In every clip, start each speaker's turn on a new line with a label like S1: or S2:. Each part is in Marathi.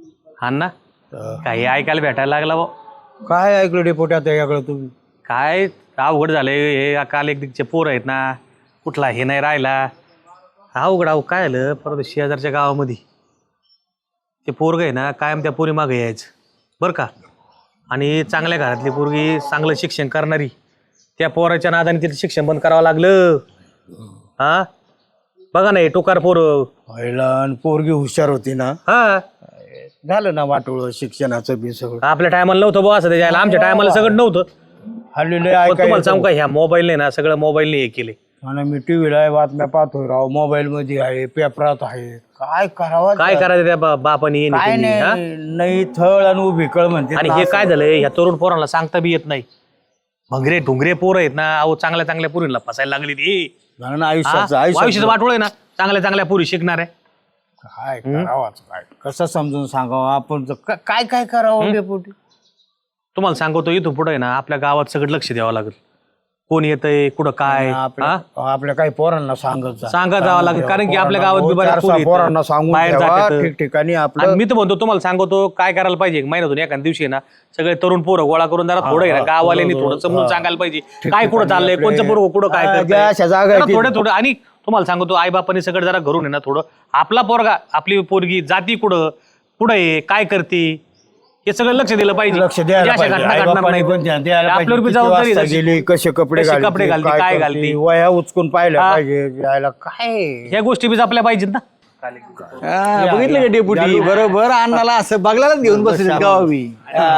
S1: हा ना काही ऐकायला भेटायला लागला भाऊ.
S2: काय ऐकलं डेपोटी आता याकडं तुम्ही?
S1: काय अवघड झालंय हे काल एक दिगचे पोर आहेत ना कुठला हे नाही राहिला अवघड काय झालं परत शेजारच्या गावामध्ये ते पोरग आहे ना कायम त्या पोरी मागे यायचं बरं का आणि चांगल्या घरातली पोरगी चांगलं शिक्षण करणारी त्या पोराच्या नादाने तिथे शिक्षण बंद करावं लागलं. हा बघा ना हे टोकार पोर
S2: पहिला पोरगी हुशार होती ना,
S1: हा
S2: झालं ना वाटोळ शिक्षणाचं बी सगळं.
S1: आपल्या टायमाला नव्हतं बुवा असं त्याच्या आमच्या टायमाला सगळं नव्हतं.
S2: हल्लेले
S1: पण तुम्हाला
S2: ऐकायला
S1: सांगू का ह्या मोबाईलने ना सगळं मोबाईलने हे केले.
S2: आणि मी टीव्हीला बातम्या पाहतोय राव, मोबाईल मध्ये आहे, पेपरात आहे. काय करावं
S1: काय करायचं त्या बापानी
S2: काय नाही थळ आणि उभी कळ म्हणते.
S1: आणि हे काय झालंय ह्या तरुण पोरांना सांगता बी येत नाही. भंगरे ढुंगरे पोरं आहेत ना अहो चांगल्या चांगल्या पोरींना फसायला लागली ती. आयुष्याचं वाटोळ आहे ना चांगल्या चांगल्या पोरी शिकणार आहे.
S2: काय करावं काय कसं समजून सांगावं आपण काय काय करावं डेपुटी?
S1: तुम्हाला सांगतो इथून पुढे ना आपल्या गावात सगळं लक्ष द्यावं लागेल. कोण येतंय कुठं काय
S2: आपल्या काही पोरांना सांगत
S1: जावं लागेल कारण की आपल्या गावात बी बऱ्याच पोरी आहेत.
S2: पोरांना सांगून
S1: बाहेर जातात.
S2: ठिकठिकाणी
S1: आणि मी तर म्हणतो तुम्हाला सांगतो काय करायला पाहिजे महिन्यातून एखाद्या दिवशी ना सगळे तरुण पोरं गोळा करून जरा थोडं गाववाल्यांनी थोडं समजून सांगायला पाहिजे काय कुठं चाललंय कोणचं पोरं कुठं काय करतंय. थोडं आणि तुम्हाला सांगतो आई बापांनी सगळं जरा घरून आहे ना थोडं आपला पोरगा आपली पोरगी जाती कुठं कुठं आहे काय करते हे सगळं लक्ष दिलं पाहिजे.
S2: लक्ष द्यायला
S1: आपल्यावर बी जबाबदारी झाली.
S2: कसे कपडे
S1: घालते काय घालते
S2: वया उचकून पाहिलं पाहिजे काय
S1: ह्या गोष्टी बी जपल्या पाहिजेत ना.
S3: बघितलं का डेपुटी बरोबर अण्णाला असं बघलाच घेऊन बसले गावी.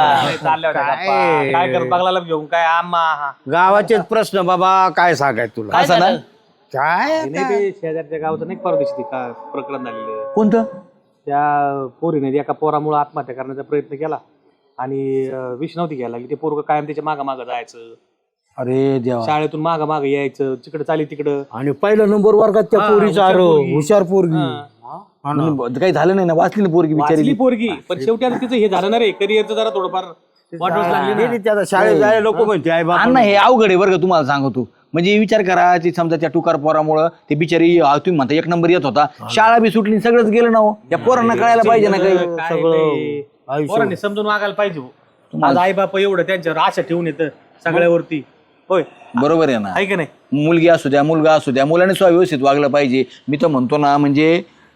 S1: काय करत बघायला घेऊन काय आम्हा
S2: गावाचेच प्रश्न बाबा काय सांगाय तुला
S3: असं ना
S2: काय
S1: शेजारच्या गावाचं नाही परदेशी प्रकरण झालेलं.
S3: कोणतं?
S1: त्या पोरीने एका पोरामुळे आत्महत्या करण्याचा प्रयत्न केला आणि विष नव्हती घ्यायला लागली. ते पोरग कायम त्याच्या मागं जायचं.
S2: अरे देवा
S1: शाळेतून मागं यायचं तिकडं चाली तिकडं.
S2: आणि पहिला नंबर वर्गात त्या पोरीचा हुशार पोरगी
S3: काही झालं नाही ना वाचली ना पोरगी
S1: वाचली पोरगी पण शेवटी आता तिचं हे झालं ना रे करिअरचं जरा थोडंफार वाटच लागली ना.
S2: त्याला शाळेत जायला लोक म्हणते आई बाप
S3: अण्णा हे अवघड आहे बरं का तुम्हाला सांगतो. म्हणजे विचार करा ती समजा त्या टुकार पोरामुळं ते बिचारी तुम्ही म्हणता एक नंबर येत होता शाळा बी सुटली सगळंच गेलं ना हो. या पोरांना कळायला पाहिजे ना काही
S1: सगळं पोरांनी समजून वागायला पाहिजे. माझा आई बाप एवढं त्यांच्यावर आशा ठेवून येतं सगळ्यावरती. होय
S3: बरोबर आहे ना.
S1: आहे की नाही
S3: मुलगी असू द्या मुलगा असू द्या मुलाने सुद्धा व्यवस्थित वागलं पाहिजे. मी तर म्हणतो ना म्हणजे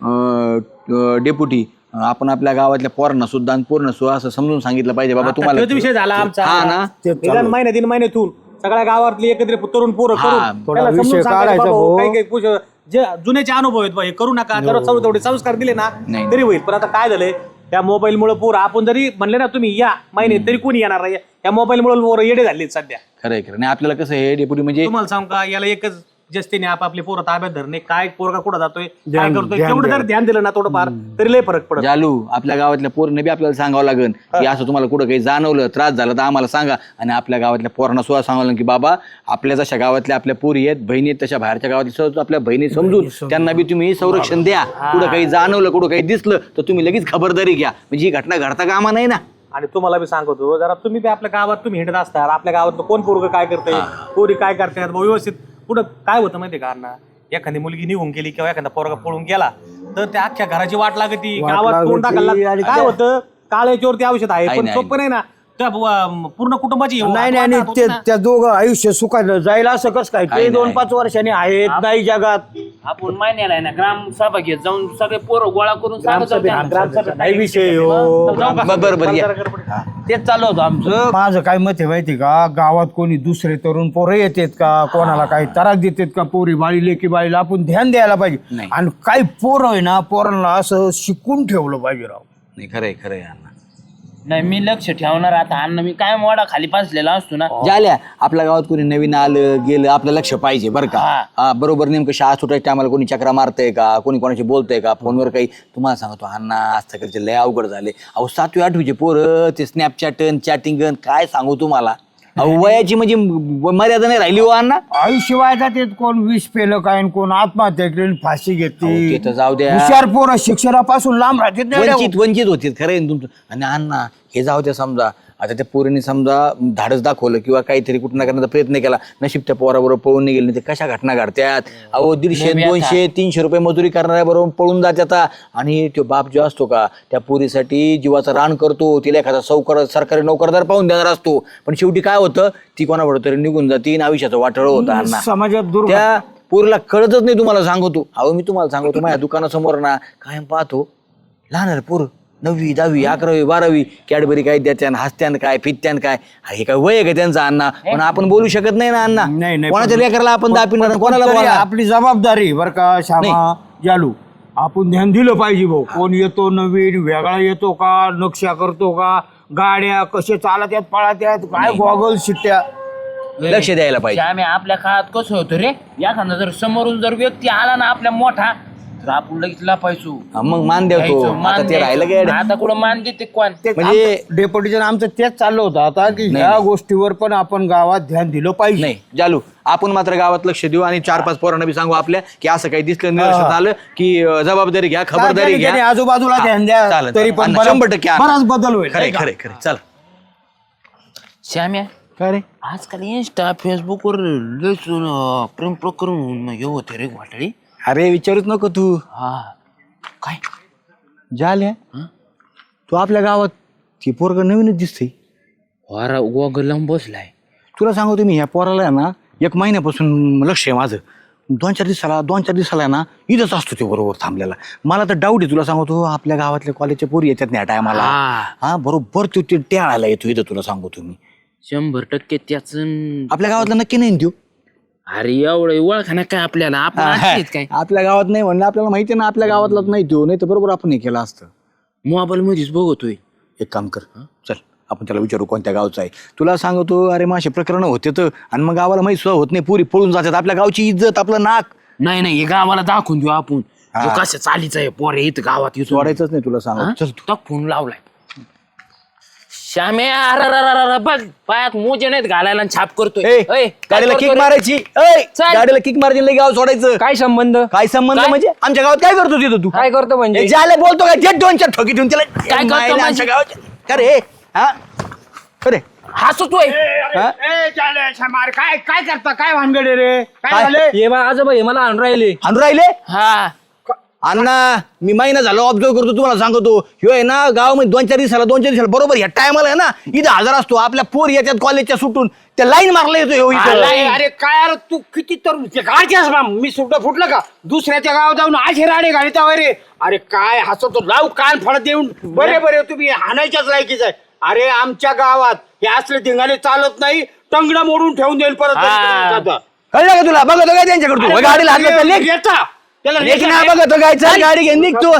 S3: डेपुटी आपण आपल्या गावातल्या पोरांना सुद्धा आणि पूर्ण सुद्धा असं समजून सांगितलं पाहिजे बाबा तुम्हाला
S1: विषय झाला आमचा
S3: हा ना
S1: महिन्या 3 महिन्यातून सगळ्या गावातली एकत्रित तरुण पोरं करून
S2: थोडा
S1: त्याला समजून
S2: विषय
S1: सांगायचं
S2: काढायचा
S1: बाबा,
S2: भाऊ.
S1: काही जे जुन्याचे अनुभव आहेत बा, हे करू नका जर तेवढे संस्कार दिले ना
S3: नाही.
S1: तरी होईल. पण आता काय झालंय त्या मोबाईल मुळे पोरं आपण जरी म्हणले ना तुम्ही या महिने तरी कोणी येणार नाही. या मोबाईल मुळे पोरं येडे झाले सध्या.
S3: खरंय खरं नाही आपल्याला कसं हे डेपुटी म्हणजे
S1: तुम्हाला सांग का याला एकच जस्तीने आपापले पोरं ताब्यात धरणे काय पोरगा कुठं जातोय काय करतोय तेवढं जर ध्यान दिलं ना थोडंफार तरी लय फरक पडत.
S3: जालू आपल्या गावातल्या पोरांना बी आपल्याला सांगावं लागेल की असं तुम्हाला कुठं काही जाणवलं त्रास झाला तर आम्हाला सांगा. आणि आपल्या गावातल्या पोरांना सुद्धा सांगावं लागेल की बाबा आपल्या जशा गावातल्या आपल्या पोरी आहेत बहिणी आहेत तशा बाहेरच्या गावातल्या आपल्या बहिणी समजून त्यांना बी तुम्ही संरक्षण द्या. कुठं काही जाणवलं कुठं काही दिसलं तर तुम्ही लगेच खबरदारी घ्या. म्हणजे ही घटना घडता कामा नाही ना.
S1: आणि तुम्हाला बी सांगतो जरा तुम्ही बी आपल्या गावात तुम्ही हिंडत असता आपल्या गावात कोण पोरग काय करतंय पोरी काय करतात व्यवस्थित कुठं काय होतं माहितीये का अण्णा एखादी मुलगी निघून गेली किंवा एखादा पोरगा पळून गेला तर त्या अख्ख्या घराची वाट लागती गावात कोण टाकायला काय होतं काळ्याच्यावरती औषध आहे पण सोपं नाही ना त्या पूर्ण कुटुंबाची
S2: नाही त्या दोघं आयुष्य सुखाचं जाईल असं कसं काय ते 2-5 वर्षांनी आहेत नाही जगात.
S4: आपण महिन्याला आहे ना ग्राम सभा घेत जाऊन सगळे पोरं गोळा करून
S2: नाही विषय
S3: बरोबर
S2: तेच चालू होतं आमचं. माझं काय मत आहे माहिती का गावात कोणी दुसरे तरुण पोरं येतात का कोणाला काही त्रास देतात का पोरी बाळी लेकी बाळीला आपण ध्यान द्यायला पाहिजे. आणि काही पोरं आहे ना पोरांना असं शिकून ठेवलं पाहिजे राव.
S3: नाही खरंय खरंय अण्णा
S4: नाही मी लक्ष ठेवणार आता अन्न मी काय मोडा खाली पासलेला असतो ना
S3: झाल्या आपल्या गावात कोणी नवीन आलं गेलं आपलं लक्ष पाहिजे बरं का. बरोबर नेमकं शाळा सुटायच्या टायमाला कोणी चक्रा मारतंय का कोणी कोणाशी बोलतंय का फोनवर काही. तुम्हाला सांगतो अण्णा आजकालचे लय अवघड झाले अहो 7वी 8वीचे पोरं ते स्नॅपचॅट चॅटिंग काय सांगू तुम्हाला. अहो वयाची म्हणजे मर्यादा नाही राहिली हो अण्णा.
S2: आयुष्यवाय जाते कोण विष पेलं काय कोण आत्महत्या केली फाशी घेतली.
S3: ते तर जाऊ द्या
S2: हुशार पोरं शिक्षणापासून लांब राहतात
S3: वंचित होतील खरं आहे तुमचं. आणि अण्णा हे जाऊ द्या समजा आता त्या पोरीने समजा धाडस दाखवलं किंवा काहीतरी कुठं ना करण्याचा प्रयत्न केला, नशीब त्या पोराबरोबर पळून नाही गेले, ते कशा घटना घडत्यात. अहो 150, 200, 300 रुपये मजुरी करणाऱ्या बरोबर पळून जात. आणि तो बाप जो असतो का त्या पोरीसाठी जीवाचं रान करतो, तिला एखादा सरकारी नोकरदार पाहून देणार असतो, पण शेवटी काय होतं, ती कोणाबरोबर तरी निघून जाते, आयुष्याचं वाटळ होतं. अण्णा
S2: समाजात
S3: त्या पोरीला कळतच नाही. तुम्हाला सांगतो, अहो मी तुम्हाला सांगतो, माझ्या दुकानासमोर ना कायम पाहतो लहान पोर 9वी 10वी 11वी 12वी कॅडबरी काय द्यात्यान, हसत्यान काय, फित्यान काय. हे काय वय आहे का त्यांचा अण्णा? पण आपण बोलू शकत नाही ना अण्णा.
S2: नाही,
S3: कोणाच्या लेकराला आपण दापिणार, कोणाला
S2: तरी
S3: बोलणार?
S2: आपली जबाबदारी बरं का श्यामा जालू, आपण ध्यान दिलं पाहिजे भाऊ. कोण येतो नवीन वेगळा येतो का, नक्षा करतो का, गाड्या कसे चालत आहेत पळत आहेत, काय गॉगल शिट्ट्या,
S3: लक्ष द्यायला पाहिजे.
S4: आम्ही आपल्या काळात कसं होतं रे, एखादा जर समोरून जर व्यक्ती आला ना आपल्या मोठा, तर आपण लगेच लपायचो,
S3: हा, मग मान देतो.
S4: घ्यायचो, मान
S3: आता ते राहिलं
S4: द्यायचो.
S3: काय?
S4: आता कुठं मान देते कोण?
S3: म्हणजे
S2: डेप्युटीचं आमचं तेच चाललं होतं आता की ह्या गोष्टीवर पण आपण गावात ध्यान दिलं पाहिजे.
S3: नाही जालू, आपण मात्र गावात लक्ष देऊ आणि 4-5 पोरांना बी सांगू आपल्या की असं काही दिसलं निदर्शनास आलं की जबाबदारी घ्या, खबरदारी
S2: त्याने
S3: घ्या.
S2: आजूबाजूला ध्यान द्या,
S3: चालेल,
S2: तरी पण
S3: चालेल. 100%
S2: बराच बदल होईल.
S3: खरे खरे खरे. चल
S4: श्याम्या,
S3: काय रे,
S4: आजकाल इंस्टा फेसबुकवर लयच प्रेम प्रकरण हे होते रे वाटळी.
S3: अरे विचारूच नको तू.
S4: हा काय
S3: झाल्या तू आपल्या गावात ती पोरग नवीनच दिसते.
S4: वारा गोगलम बसलाय.
S3: तुला सांगतो मी, ह्या पोराला आहे ना 1 महिन्यापासून लक्ष आहे माझं. 2-4 दिवसाला ना इथंच असतो ते बरोबर थांबलेला. मला तर डाऊट आहे, तुला सांगतो, आपल्या गावातल्या कॉलेजच्या पोरी येतात नाही टायमाला. हा बरोबर तो ते टेळायला येतो इथं. तुला सांगतो तुम्ही
S4: 100% त्याच.
S3: आपल्या गावातला नक्की नाही देऊ.
S4: अरे एवढं ओळखा काय आपल्याला, आपण आठवत काय
S3: आपल्या गावात नाही म्हणलं, आपल्याला माहिती आहे ना आपल्या गावातलाच नाही देऊ, नाही तर बरोबर आपण हे केलं असतं.
S4: मोबाईल मध्येच बघतोय.
S3: एक काम कर, चल आपण त्याला विचारू कोणत्या गावचा आहे. तुला सांगतो, अरे मासे प्रकरण होते तर, आणि मग गावाला माहिती सुद्धा होत नाही, पुरी पळून जातात. आपल्या गावची इज्जत, आपलं नाक.
S4: नाही हे गावाला दाखवून देऊ आपण, कसं चालीच आहे पोरे इथं गावात येतो.
S3: सोडायचंच नाही तुला सांगतो. चल
S4: तो फोन लावलाय. श्यामे, अरे बघ पायात मोजे नाहीत घालायला आणि छाप करतोय.
S3: ए,
S4: काय
S3: गाडीला
S4: करतोय
S3: किक
S4: रे?
S3: मारायची.
S4: चल.
S3: गाडीला किक मारायची, लई गाव सोडायचं.
S5: काय संबंध
S3: काय संबंध
S4: काय?
S3: म्हणजे आमच्या गावात काय करतो तिथं तू?
S5: काय करतो म्हणजे
S3: ए, ज्याला बोलतो काय जे 2-4 ठोकी ठेवून त्याला
S4: काय करतो
S3: मायला
S4: म्हणजे?
S3: आमच्या गावात अरे हा अरे
S4: हसतोय.
S2: काय काय करता, काय भानगड आहे रे, काय
S3: काय?
S2: झाले?
S5: हे बा आजोबा हे मला आणून राहिले
S3: आणून राहिले.
S4: हा
S3: अण्णा मी महिना झाला ऑब्झर्व करतो, तुम्हाला सांगतो. ह्यो आहे ना गावामध्ये 2-4 दिवसाला बरोबर ह्या टायमाला आहे ना इथं हजर असतो. आपल्या पोर येतात कॉलेजच्या सुटून, त्या लाईन मारला येतो ह्यो इथं.
S2: अरे काय अरे तू किती तर मी सुद्धा फुटलं का दुसऱ्याच्या गावात जाऊन असे राणे घालिता रे. अरे काय हसतो, लाव कान फळत देऊन. बरे तुम्ही हाणायच्याच लायकीच आहे. अरे आमच्या गावात हे असले धिंगाणे चालत नाही, टंगडा मोडून ठेवून देईल परत.
S3: कळलं का तुला? बघतो काय त्यांच्याकडे तू गाडीला हात घातला, लेक. लेक ना बघतो काय, चल गाडी घेऊन निघतो.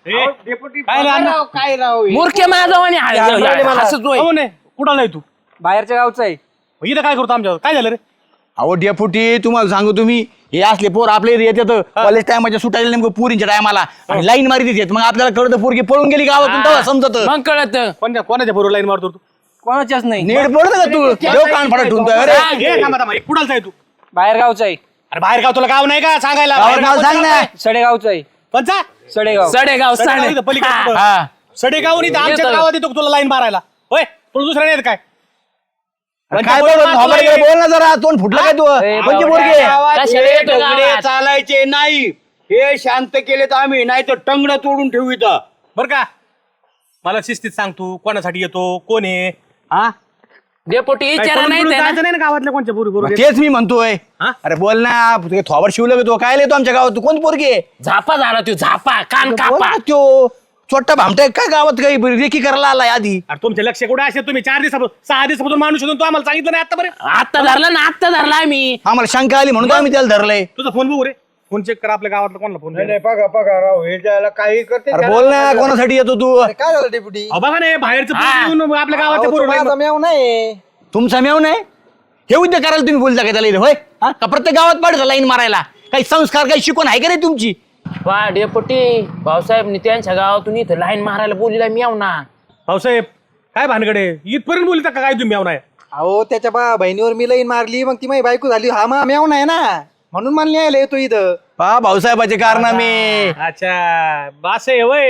S2: काय राव हे?
S4: मूर्खे माझावाने हसतोय.
S1: कुठं नाही तू
S5: बाहेरच्या गावचा आहे.
S1: इथं काय करतो आमच्या? काय झालं रे?
S3: अहो डेपुटी, तुम्हाला सांगू तुम्ही, हे असले पोर आपले येतात कॉलेज टायमाच्या सुटायला नेमकं पुरींच्या टायमाला आणि लाईन मारी देतात. मग आपल्याला कळतं पोरगी पळून गेली गावातून, तेव्हा समजत.
S4: मग कळत.
S1: कोणाच्या बरोबर लाईन मारतो तू?
S5: कोणाच्याच नाही
S3: नीट पडत का तू? देव कान फाडत ठेवतोय. अरे
S1: कुठालचा आहे तू?
S5: बाहेर गावचा आहे.
S1: अरे बाहेर गाव तुला गाव नाही का सांगायला?
S3: गावात
S1: बाहेर
S3: नाव
S1: गाव
S3: सांग ना.
S5: सडेगावचा आहे.
S1: कोणचा?
S5: सडेगाव
S4: सडेगाव
S1: सडेगाव इथं पलीकडे कुठं?
S4: हा.
S1: सडेगाव इथं आमच्या
S4: येतो.
S1: गावात येतो का तुला लाईन मारायला? होय, तुला दुसरा नाही येत काय?
S3: काय बोलत नॉर्मल बोल ना जरा, तोंड फुटलं काय तू? कोणची पोरगी?
S2: गावात
S4: कशाला
S2: हे
S4: येतो
S2: दगडे
S4: गावात?
S2: चालायचे नाही, हे शांत केलेत आम्ही, नाही तर टंगडं तोडून ठेवू इथं.
S1: बर का, मला शिस्तीत सांग तू कोणासाठी येतो, कोण आहे? हा?
S4: डेपोटी
S1: काय
S4: विचारा
S1: पळून
S4: नाही
S1: पळून
S4: त्याला.
S1: जायचं नाही ना गावातल्या कोणच्या पोरी बरोबर?
S3: तेच मी म्हणतोय.
S1: हा?
S3: अरे बोल ना, तुझे थोबाड शिवलं तो काय येतो आमच्या गावात? तू कोण पोरगी आहे?
S4: झापा झाला तू, झापा कान
S3: बोल
S4: कापा.
S3: ना त्यो छोटा भामटा काय गावात काही रेखी करायला आलाय आधी?
S1: अरे तुमचे लक्ष कुठे असे? तुम्ही 4 दिवसापासून 6 दिवसापासून माणूस होतो, तू आम्हाला सांगितलं नाही आतापर्यंत.
S4: आत्ता धरला ना, आत्ता धरला आम्ही.
S3: आम्हाला शंका आली म्हणून तर आम्ही त्याला धरलंय.
S1: तुझा फोन बघू रे, फोन चेक कर आपल्या गावातला कोणाला फोन.
S2: नाही बघा राव, हे ज्याला काही करते
S3: अरे बोल ना, कोणासाठी येतो तू?
S6: काय झालं डेप्युटी?
S1: अहो बघा नाही, बाहेरचं
S4: हा.
S1: पोरं येऊन आपल्या गावातल्या पोरं
S6: माझा मेव नाही.
S3: तुमचा मेव नाही? हे उद्योग करायला तुम्ही बोलता का त्याला इथं? होय, हा? का प्रत्येक गावात पाडता लाईन मारायला? काही संस्कार, काही शिकवण आहे का नाही तुमची?
S4: वा डेपोटी, भाऊसाहेब त्यांच्या गावातून इथं लाईन मारायला बोलला मी येऊ ना.
S1: भाऊसाहेब काय भानगडे इथपर्यंत बोलता का काय तुम्ही? नाही
S6: अहो त्याच्या बहिणीवर मी लाईन मारली, मग ती माझी बायको झाली. हा मा मेव नाही ना, म्हणून मला न्यायला येतो इथं.
S3: पहा भाऊसाहेबाचे कारनामे.
S1: अच्छा, बास आहे वय.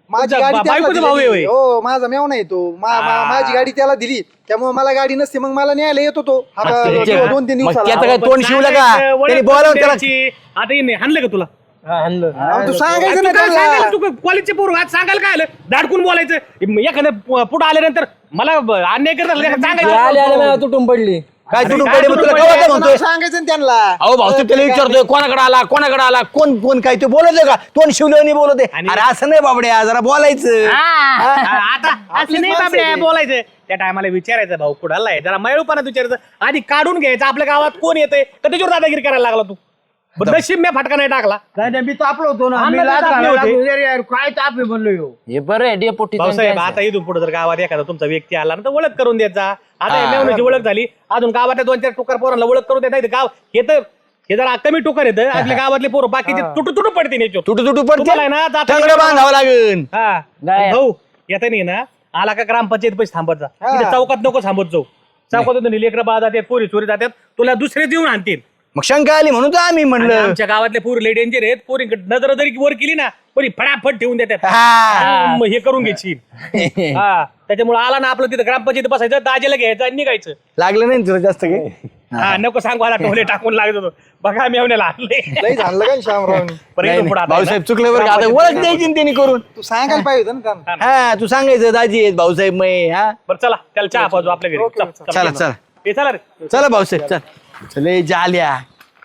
S6: माझी
S1: तुमचा
S6: गाडी त्याला
S1: बायकोचा भाऊ आहे
S6: दिलेली.
S1: होय?
S6: हो माझा मेवना येतो माझी गाडी त्याला दिली त्यामुळे मला गाडी नसते मग मला न्यायला येतो तो हा
S3: मग
S6: 2-3
S3: मग
S6: दिवसाला
S3: त्याचं काय तोंड शिवलं का
S1: सांगायचं, ओळख
S3: त्याने
S1: करून
S3: बोलावं त्याला
S1: द्यायची. आता हे नाही, हाणलं का तुला
S6: तू सांगायचं ना
S1: तू काय
S6: त्याला.
S1: सांगायला, तू कॉलेजचे पोरं आज सांगायला काय आलं दाडकून बोलायचं एखादं पुढे आल्यानंतर मला अन्याय करत असलं का
S5: आले आले
S1: सांगायचं
S5: मला तुटून पडली
S3: काय तुटून
S1: काय
S3: पडे मग तुला
S1: तुटून
S3: कवा
S1: पडे?
S3: काय म्हणतोय
S6: सांगायचं ना त्यांना
S3: अहो भाऊ त्याला विचारतोय कोणाकडे आला कोण कोण काय ते बोलत का तोंड शिवलं नाही बोलत आहे.
S1: आणि-
S3: अरे असं नाही बाबड्या जरा बोलायचं
S1: आता असं
S6: आपलीच
S1: नाही
S6: माणसं
S1: बाबड्या
S6: आहे.
S1: बोलायचं त्या टायमाला विचारायचं भाऊ कुणाला आहे जरा मयूरपणात विचारायचं आधी काढून घ्यायचं आपल्या गावात कोण येतंय तर त्याच्यावर दादागिरी करायला लागला तू बरं, नशीब मी फटका नाही टाकला
S2: काय नाही, मी तापलो होतो ना
S1: हा,
S2: मी
S1: ना,
S2: लाज
S1: तापले
S2: घालायला
S1: होते.
S2: लागलो. अरे यार, काय ताप आहे म्हणलो ह्यो.
S4: हे बरं आहे डेपोटी
S1: भाऊसाहेब आता इथून पुढे जर गावात एखादा तुमचा व्यक्ती आला ना तर ओळख करून द्यायचा आता हे मेवण्याची ओळख झाली अजून गावातल्या 2-4 टुकार पोरांना ओळख करून देत नाही गाव हे जरा कमी टुकार येतं आपल्या गावातले पोरं बाकीचे तुटू पडते याच्यावर.
S3: तुटू
S1: तुम्हाला आहे ना,
S3: पडते
S1: जाता
S3: टंगडं बांधावं लागेल
S1: हा
S4: नाही.
S1: भाऊ येता नाही ना आला का ग्रामपंचायत पैसे थांबत जा इथे चौकात नको थांबत जाऊ चौकात लेकरं बाळ जातात पोरी चोरी जातात तुला दुसरे देऊन आणतील
S3: मग शंका आली म्हणून तर आम्ही
S1: आणि
S3: म्हणलं
S1: आमच्या गावातले पोरी लय डेंजर आहेत पोरी नजर जरी वर केली ना पोरी फटाफट ठेवून देतात
S3: हा.
S1: मग हे करून घ्यायची हा त्याच्यामुळे आला ना आपलं तिथं ग्रामपंचायत बसायचं दाजेला घ्यायचं आणि निघायचं
S3: लागलं नाही ना तुला जास्त काही
S1: हा नको सांगू आला टोले टाकून लागत होतो बघा मी आवण्याला आणले
S6: लई झालं का शामरावनी
S1: बरं,
S3: नाही,
S1: इथून पुढं
S3: नाही.
S1: आता
S3: भाऊसाहेब
S1: आहे
S3: चुकलं
S1: ना,
S3: बरं का आता ओळख द्यायची ना त्यांनी करून
S6: तू सांगायला पाहिजे होतं ना त्यांना
S3: हा तू सांगायचं दाजी आहेत भाऊसाहेब मै हा
S1: बरं चला त्याला चहा पाजू आपल्या घरी
S6: ओके,
S1: चल,
S3: चला
S1: चल.
S3: चला
S1: हे चला रे
S3: चला भाऊसाहेब चल चले जाल्या